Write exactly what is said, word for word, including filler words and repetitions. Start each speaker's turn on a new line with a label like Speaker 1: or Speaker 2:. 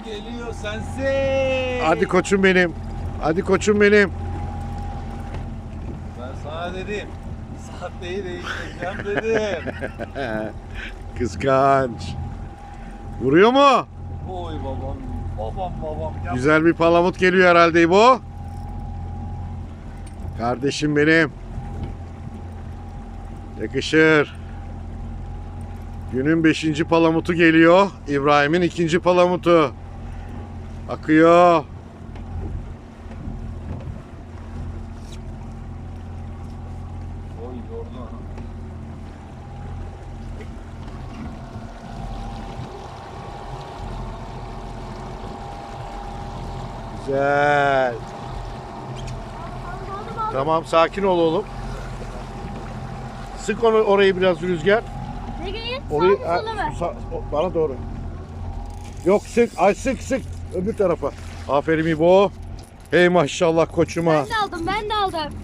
Speaker 1: geliyor sensin.
Speaker 2: Hadi koçum benim. Hadi koçum benim.
Speaker 1: Ben sana dedim. Sahteyi değiştireceğim dedim.
Speaker 2: Kıskanç. Vuruyor mu?
Speaker 1: Oy babam. Babam babam. Yap.
Speaker 2: Güzel bir palamut geliyor herhalde bu. Kardeşim benim. Yakışır. Günün beşinci palamutu geliyor. İbrahim'in ikinci palamutu. Akıyor.
Speaker 1: Oy yordu.
Speaker 2: Güzel. Tamam, sakin ol oğlum. Sık onu orayı biraz rüzgar.
Speaker 3: Ne gelin?
Speaker 2: Orayı
Speaker 3: Sağ mı sola mı?
Speaker 2: Sa- o- bana doğru. Yok sık, ay sık sık öbür tarafa. Aferin İbo. Hey maşallah koçuma.
Speaker 3: Ben de aldım, ben de aldım.